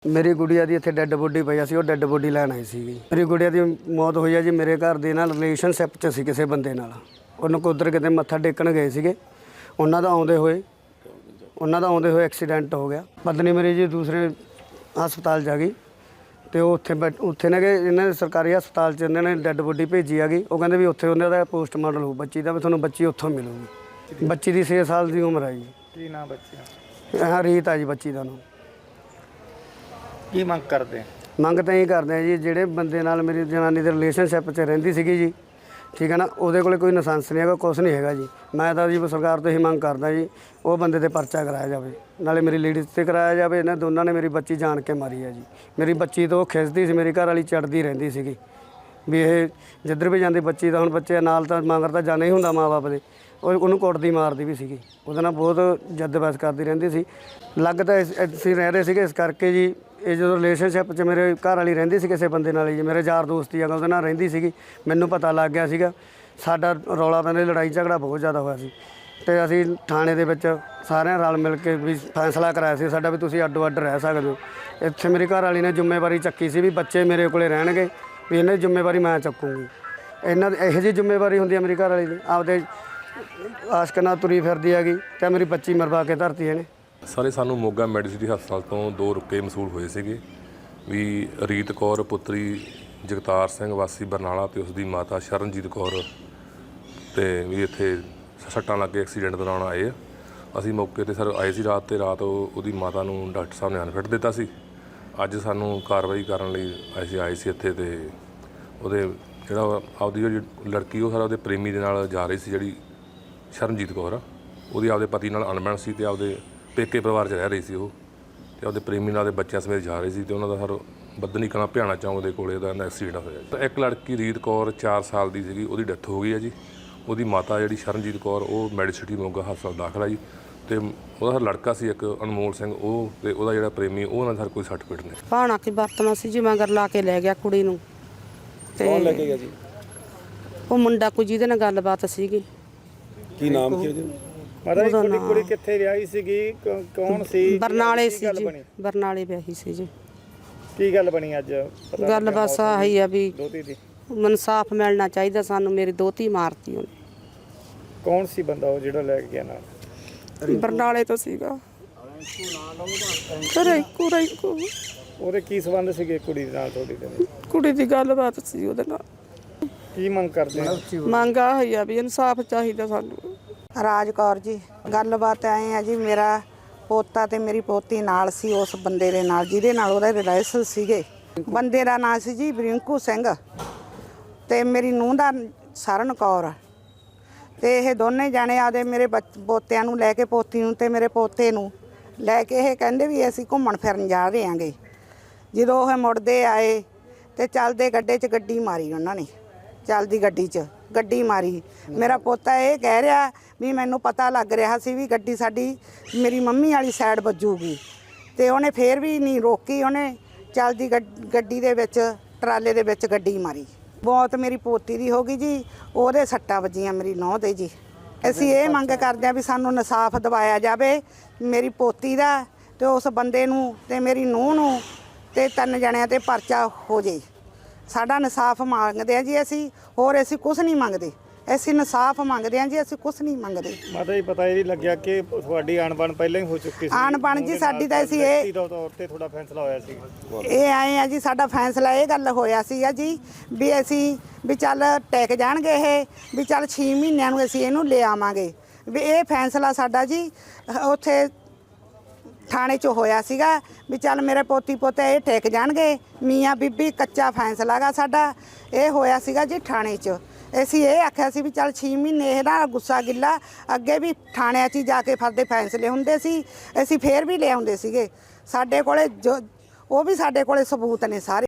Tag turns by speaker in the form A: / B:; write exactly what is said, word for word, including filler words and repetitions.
A: मेरी गुड़िया की इतने डैड बॉडी पई सी, डैड बॉडी लैन आई सी। मेरी गुड़िया की मौत हुई है जी मेरे घर के नाल रिलेशनशिप च सी किसी बंदे नाल। उन्होंने उधर किते मत्था टेकन गए थे, उन्होंने आउंदे होए उन्होंने आउंदे होए एक्सीडेंट हो गया। पत्नी मेरी जी दूसरे हस्पताल जा गई, तो उत्थे बैठ उत्थे ने कि इन्हें सरकारी हस्पताल च इन्होंने डैड बॉडी भेजी आ गई। वो कहते भी उत्थे उन्होंने पोस्टमार्टम हो बच्ची का, भी थोड़ा बच्ची उत्थों मिलूगी। बच्ची की छे साल की उम्र है जी।
B: की नाम बच्ची?
A: हाँ रीत है जी बच्ची का नाम।
B: की मंग करते हैं?
A: मंग तो यही करते हैं जी, ਜਿਹੜੇ ਬੰਦੇ ਨਾਲ ਮੇਰੀ ਜਨਾਨੀ ਦੇ ਰਿਲੇਸ਼ਨਸ਼ਿਪ 'ਚ ਰਹਿੰਦੀ ਸੀਗੀ ਜੀ, ਠੀਕ ਹੈ ਨਾ, ਉਹਦੇ ਕੋਲੇ ਕੋਈ ਲਾਇਸੈਂਸ ਨਹੀਂ ਹੈਗਾ, ਕੁਛ ਨਹੀਂ ਹੈਗਾ ਜੀ। ਮੈਂ ਤਾਂ ਜੀ ਸਰਕਾਰ ਤੋਂ ਹੀ ਮੰਗ ਕਰਦਾ ਜੀ, ਉਹ ਬੰਦੇ ਤੇ ਪਰਚਾ ਕਰਾਇਆ ਜਾਵੇ, ਨਾਲੇ ਮੇਰੀ ਲੇਡੀਜ਼ ਤੇ ਕਰਾਇਆ ਜਾਵੇ। ਇਹਨਾਂ ਦੋਨਾਂ ਨੇ ਮੇਰੀ ਬੱਚੀ ਜਾਣ ਕੇ ਮਾਰੀ ਹੈ ਜੀ। ਮੇਰੀ ਬੱਚੀ ਤੋਂ ਖਿੱਚਦੀ ਸੀ, ਮੇਰੀ ਘਰ ਵਾਲੀ ਚੜਦੀ ਰਹਿੰਦੀ ਸੀਗੀ ਵੀ ਇਹ ਜਿੱਧਰ ਵੀ ਜਾਂਦੀ ਬੱਚੀ ਦਾ, ਹੁਣ ਬੱਚੇ ਨਾਲ ਤਾਂ ਮਗਰ ਤਾਂ ਜਾਣਾ ਹੀ ਹੁੰਦਾ ਮਾਂ ਬਾਪ ਦੇ, ਉਹ ਉਹਨੂੰ ਕੁੱਟਦੀ ਮਾਰਦੀ ਵੀ ਸੀਗੀ, ਉਹਦੇ ਨਾਲ ਬਹੁਤ ਜੱਦ ਬਹਿਸ ਕਰਦੀ ਰਹਿੰਦੀ ਸੀ। ਲੱਗ ਤਾਂ ਅਸੀਂ ਰਹਿ ਰਹੇ ਸੀਗੇ ਇਸ ਕਰਕੇ ਜੀ। ਇਹ ਜਦੋਂ ਰਿਲੇਸ਼ਨਸ਼ਿਪ 'ਚ ਮੇਰੇ ਘਰ ਵਾਲੀ ਰਹਿੰਦੀ ਸੀ ਕਿਸੇ ਬੰਦੇ ਨਾਲ ਜੀ, ਮੇਰੇ ਯਾਰ ਦੋਸਤੀ ਆ ਉਹਦੇ ਨਾਲ ਰਹਿੰਦੀ ਸੀਗੀ, ਮੈਨੂੰ ਪਤਾ ਲੱਗ ਗਿਆ ਸੀਗਾ। ਸਾਡਾ ਰੌਲਾ ਪੈਂਦਾ, ਲੜਾਈ ਝਗੜਾ ਬਹੁਤ ਜ਼ਿਆਦਾ ਹੋਇਆ ਸੀ, ਅਤੇ ਅਸੀਂ ਥਾਣੇ ਦੇ ਵਿੱਚ ਸਾਰਿਆਂ ਰਲ ਮਿਲ ਕੇ ਵੀ ਫੈਸਲਾ ਕਰਾਇਆ ਸੀ ਸਾਡਾ ਵੀ ਤੁਸੀਂ ਅੱਡੋ ਅੱਡ ਰਹਿ ਸਕਦੇ ਹੋ। ਇੱਥੇ ਮੇਰੀ ਘਰ ਵਾਲੀ ਨੇ ਜ਼ਿੰਮੇਵਾਰੀ ਚੱਕੀ ਸੀ ਵੀ ਬੱਚੇ ਮੇਰੇ ਕੋਲੇ ਰਹਿਣਗੇ, ਵੀ ਇਹਨਾਂ ਦੀ ਜ਼ਿੰਮੇਵਾਰੀ ਮੈਂ ਚੱਕੂੰਗੀ। ਇਹਨਾਂ ਦੀ ਇਹੋ ਜਿਹੀ ਜ਼ਿੰਮੇਵਾਰੀ ਹੁੰਦੀ ਹੈ ਮੇਰੀ ਘਰ ਵਾਲੀ ਦੀ, ਆਪਦੇ ਆਸ਼ਕ ਨਾਲ ਤੁਰੀ ਫਿਰਦੀ ਹੈਗੀ, ਅਤੇ ਮੇਰੀ ਬੱਚੀ ਮਰਵਾ ਕੇ ਧਰਤੀ ਇਹਨੇ।
C: ਸਾਰੇ ਸਾਨੂੰ ਮੋਗਾ ਮੈਡੀਸਿਟੀ ਹਸਪਤਾਲ ਤੋਂ ਦੋ ਰੁਕੇ ਮਸੂਲ ਹੋਏ ਸੀਗੇ ਵੀ ਰੀਤ ਕੌਰ ਪੁੱਤਰੀ ਜਗਤਾਰ ਸਿੰਘ ਵਾਸੀ ਬਰਨਾਲਾ ਤੇ ਉਸ ਦੀ ਮਾਤਾ ਸ਼ਰਨਜੀਤ ਕੌਰ ਤੇ ਵੀ ਇੱਥੇ ਸੱਟਾਂ ਲੱਗ ਕੇ ਐਕਸੀਡੈਂਟ ਦੌਰਾਨ ਆਏ ਆ। ਅਸੀਂ ਮੌਕੇ ਤੇ ਸਰ ਆਏ ਸੀ ਰਾਤ, ਤੇ ਰਾਤ ਉਹਦੀ ਮਾਤਾ ਨੂੰ ਡਾਕਟਰ ਸਾਹਿਬ ਨੇ ਅਨਫਿਟ ਦਿੱਤਾ ਸੀ। ਅੱਜ ਸਾਨੂੰ ਕਾਰਵਾਈ ਕਰਨ ਲਈ ਅਸੀਂ ਆਏ ਸੀ ਇੱਥੇ, ਤੇ ਉਹਦੇ ਜਿਹੜਾ ਆਪਦੀ ਜਿਹੜੀ ਲੜਕੀ ਉਹ ਸਾਰਾ ਉਹਦੇ ਪ੍ਰੇਮੀ ਦੇ ਨਾਲ ਜਾ ਰਹੀ ਸੀ, ਜਿਹੜੀ ਸ਼ਰਨਜੀਤ ਕੌਰ ਆ, ਉਹਦੀ ਆਪਦੇ ਪਤੀ ਨਾਲ ਅਣਬਣ ਸੀ, ਤੇ ਆਪਦੇ ਪੇਕੇ ਪਰਿਵਾਰ 'ਚ ਰਹਿ ਰਹੀ ਸੀ ਉਹ, ਅਤੇ ਆਪਦੇ ਪ੍ਰੇਮੀ ਨਾਲ ਦੇ ਬੱਚਿਆਂ ਸਮੇਤ ਜਾ ਰਹੀ ਸੀ, ਅਤੇ ਉਹਨਾਂ ਦਾ ਸਰ ਬੱਦਨੀ ਕਲਾਂ ਭਿਆਣਾ ਚੌਂਕ ਦੇ ਕੋਲੇ ਦਾ ਐਕਸੀਡੈਂਟ ਹੋਇਆ। ਇੱਕ ਲੜਕੀ ਰੀਤ ਕੌਰ ਚਾਰ ਸਾਲ ਦੀ ਸੀਗੀ, ਉਹਦੀ ਡੈਥ ਹੋ ਗਈ ਹੈ ਜੀ। ਉਹਦੀ ਮਾਤਾ ਜਿਹੜੀ ਸ਼ਰਨਜੀਤ ਕੌਰ ਉਹ ਮੈਡੀਸਿਟੀ ਮੋਗਾ ਹਸਪਤਾਲ ਦਾਖਲ ਆ ਜੀ, ਅਤੇ ਉਹਦਾ ਲੜਕਾ ਸੀ ਇੱਕ ਅਨਮੋਲ ਸਿੰਘ, ਉਹ ਅਤੇ ਉਹਦਾ ਜਿਹੜਾ ਪ੍ਰੇਮੀ ਉਹ ਨਾਲ ਸਰ ਕੋਈ ਸੱਟ ਫੇਟ ਨਹੀਂ।
D: ਭਾਣਾ ਕੀ ਵਰਤਣਾ ਸੀ ਜੀ, ਮਗਰ ਲਾ ਕੇ ਲੈ ਗਿਆ ਕੁੜੀ ਨੂੰ।
B: ਤੇ ਕੌਣ ਲੈ ਕੇ ਗਿਆ ਜੀ?
D: ਉਹ ਮੁੰਡਾ ਕੋਈ ਜਿਹਦੇ ਨਾਲ ਗੱਲਬਾਤ ਸੀਗੀ।
B: ਕੀ ਨਾਮ ਕੀ ਉਹਦਾ? ਮਾਤਾ ਜੀ ਕੁੜੀ ਕੁੜੀ ਕਿੱਥੇ ਵਿਆਹੀ ਸੀਗੀ, ਕੌਣ ਸੀ?
D: ਬਰਨਾਲੇ ਸੀ ਜੀ, ਬਰਨਾਲੇ ਵਿਆਹੀ ਸੀ ਜੀ।
B: ਕੀ ਗੱਲ ਬਣੀ ਅੱਜ?
D: ਗੱਲ ਬਸ ਆਹੀ ਆ ਵੀ
B: ਦੋਤੀ ਦੀ
D: ਇਨਸਾਫ ਮਿਲਣਾ ਚਾਹੀਦਾ ਸਾਨੂੰ। ਮੇਰੀ ਦੋਤੀ ਮਾਰਤੀ ਉਹਨੇ।
B: ਕੌਣ ਸੀ ਬੰਦਾ ਉਹ ਜਿਹੜਾ ਲੈ ਕੇ ਗਿਆ ਨਾਲ?
D: ਬਰਨਾਲੇ ਤੋਂ ਸੀਗਾ। ਘਰੇ ਕੁੜੀ ਕੋ
B: ਉਹਦੇ ਕੀ ਸੰਬੰਧ ਸੀਗੇ ਕੁੜੀ ਦੇ ਨਾਲ ਤੁਹਾਡੀ ਦੇ?
D: ਕੁੜੀ ਦੀ ਗੱਲਬਾਤ ਸੀ ਉਹਦੇ ਨਾਲ।
B: ਕੀ ਮੰਗ ਕਰਦੇ ਆ?
D: ਮੰਗ ਆਹੀ ਆ ਵੀ ਇਨਸਾਫ ਚਾਹੀਦਾ ਸਾਨੂੰ।
E: ਰਾਜ ਕੌਰ ਜੀ, ਗੱਲਬਾਤ ਐਂ ਆ ਜੀ, ਮੇਰਾ ਪੋਤਾ ਤੇ ਮੇਰੀ ਪੋਤੀ ਨਾਲ ਸੀ ਉਸ ਬੰਦੇ ਦੇ ਨਾਲ ਜਿਹਦੇ ਨਾਲ ਉਹਦੇ ਰਿਲੇਸ਼ਨ ਸੀਗੇ। ਬੰਦੇ ਦਾ ਨਾਂ ਸੀ ਜੀ ਬ੍ਰਿੰਕੂ ਸਿੰਘ, ਤੇ ਮੇਰੀ ਨੂੰਹ ਦਾ ਸਰਨ ਕੌਰ। ਤੇ ਇਹ ਦੋਨੇ ਜਾਣੇ ਆਦੇ ਮੇਰੇ ਪੋਤਿਆਂ ਨੂੰ ਲੈ ਕੇ, ਪੋਤੀ ਨੂੰ ਤੇ ਮੇਰੇ ਪੋਤੇ ਨੂੰ ਲੈ ਕੇ, ਇਹ ਕਹਿੰਦੇ ਵੀ ਅਸੀਂ ਘੁੰਮਣ ਫਿਰਨ ਜਾ ਰਹੇ ਆਂਗੇ। ਜਦੋਂ ਉਹ ਮੁੜਦੇ ਆਏ ਤੇ ਚੱਲਦੇ ਗੱਡੇ 'ਚ ਗੱਡੀ ਮਾਰੀ ਉਹਨਾਂ ਨੇ, ਚੱਲਦੀ ਗੱਡੀ 'ਚ ਗੱਡੀ ਮਾਰੀ। ਮੇਰਾ ਪੋਤਾ ਇਹ ਕਹਿ ਰਿਹਾ ਵੀ ਮੈਨੂੰ ਪਤਾ ਲੱਗ ਰਿਹਾ ਸੀ ਵੀ ਗੱਡੀ ਸਾਡੀ ਮੇਰੀ ਮੰਮੀ ਵਾਲੀ ਸਾਈਡ ਵੱਜੂਗੀ, ਤੇ ਉਹਨੇ ਫੇਰ ਵੀ ਨਹੀਂ ਰੋਕੀ, ਉਹਨੇ ਚੱਲਦੀ ਗੱਡੀ ਦੇ ਵਿੱਚ ਟਰਾਲੇ ਦੇ ਵਿੱਚ ਗੱਡੀ ਮਾਰੀ। ਬਹੁਤ ਮੇਰੀ ਪੋਤੀ ਦੀ ਹੋ ਗਈ ਜੀ, ਉਹਦੇ ਸੱਟਾਂ ਵੱਜੀਆਂ ਮੇਰੀ ਨੂੰਹ ਦੇ ਜੀ। ਅਸੀਂ ਇਹ ਮੰਗ ਕਰਦੇ ਹਾਂ ਵੀ ਸਾਨੂੰ ਇਨਸਾਫ ਦਿਵਾਇਆ ਜਾਵੇ ਮੇਰੀ ਪੋਤੀ ਦਾ, ਤੇ ਉਸ ਬੰਦੇ ਨੂੰ ਤੇ ਮੇਰੀ ਨੂੰਹ ਨੂੰ, ਤੇ ਤਿੰਨ ਜਣਿਆਂ ਤੇ ਪਰਚਾ ਹੋ ਜੇ। ਸਾਡਾ ਇਨਸਾਫ ਮੰਗਦੇ ਆ ਜੀ ਅਸੀਂ, ਹੋਰ ਅਸੀਂ ਕੁਛ ਨਹੀਂ ਮੰਗਦੇ। ਅਸੀਂ ਇਨਸਾਫ ਮੰਗਦੇ ਆ ਜੀ, ਅਸੀਂ ਕੁਛ ਨਹੀਂ ਮੰਗਦੇ।
B: ਮਾਤਾ ਜੀ ਪਤਾ ਇਹ ਨਹੀਂ ਲੱਗਿਆ ਕਿ ਤੁਹਾਡੀ ਅਣਬਣ ਪਹਿਲਾਂ ਹੀ ਹੋ ਚੁੱਕੀ ਸੀ?
E: ਅਣਬਣ ਜੀ ਸਾਡੀ ਤਾਂ ਅਸੀਂ ਇਹ
B: ਤੌਰ ਤੇ ਤੁਹਾਡਾ ਫੈਸਲਾ ਹੋਇਆ ਸੀ?
E: ਇਹ ਆਏ ਆ ਜੀ, ਸਾਡਾ ਫੈਸਲਾ ਇਹ ਗੱਲ ਹੋਇਆ ਸੀ ਆ ਜੀ ਵੀ ਅਸੀਂ ਵੀ ਚੱਲ ਟਿਕ ਜਾਣਗੇ ਇਹ, ਵੀ ਚੱਲ ਛੇ ਮਹੀਨਿਆਂ ਨੂੰ ਅਸੀਂ ਇਹਨੂੰ ਲੈ ਆਵਾਂਗੇ। ਵੀ ਇਹ ਫੈਸਲਾ ਸਾਡਾ ਜੀ ਉੱਥੇ ਥਾਣੇ 'ਚ ਹੋਇਆ ਸੀਗਾ ਵੀ ਚੱਲ ਮੇਰੇ ਪੋਤੀ ਪੋਤੇ ਇਹ ਟਿਕ ਜਾਣਗੇ, ਮੀਆਂ ਬੀਬੀ ਕੱਚਾ ਫੈਸਲਾ ਗਾ ਸਾਡਾ। ਇਹ ਹੋਇਆ ਸੀਗਾ ਜੀ ਥਾਣੇ 'ਚ। ਅਸੀਂ ਇਹ ਆਖਿਆ ਸੀ ਵੀ ਚੱਲ ਛੇ ਮਹੀਨੇ ਇਹਦਾ ਗੁੱਸਾ ਗਿੱਲਾ, ਅੱਗੇ ਵੀ ਥਾਣਿਆਂ 'ਚ ਜਾ ਕੇ ਫਰਦੇ ਫੈਸਲੇ ਹੁੰਦੇ ਸੀ, ਅਸੀਂ ਫੇਰ ਵੀ ਲਿਆਉਂਦੇ ਸੀਗੇ। ਸਾਡੇ ਕੋਲੇ ਜੋ ਉਹ ਵੀ ਸਾਡੇ ਕੋਲੇ ਸਬੂਤ ਨੇ ਸਾਰੇ।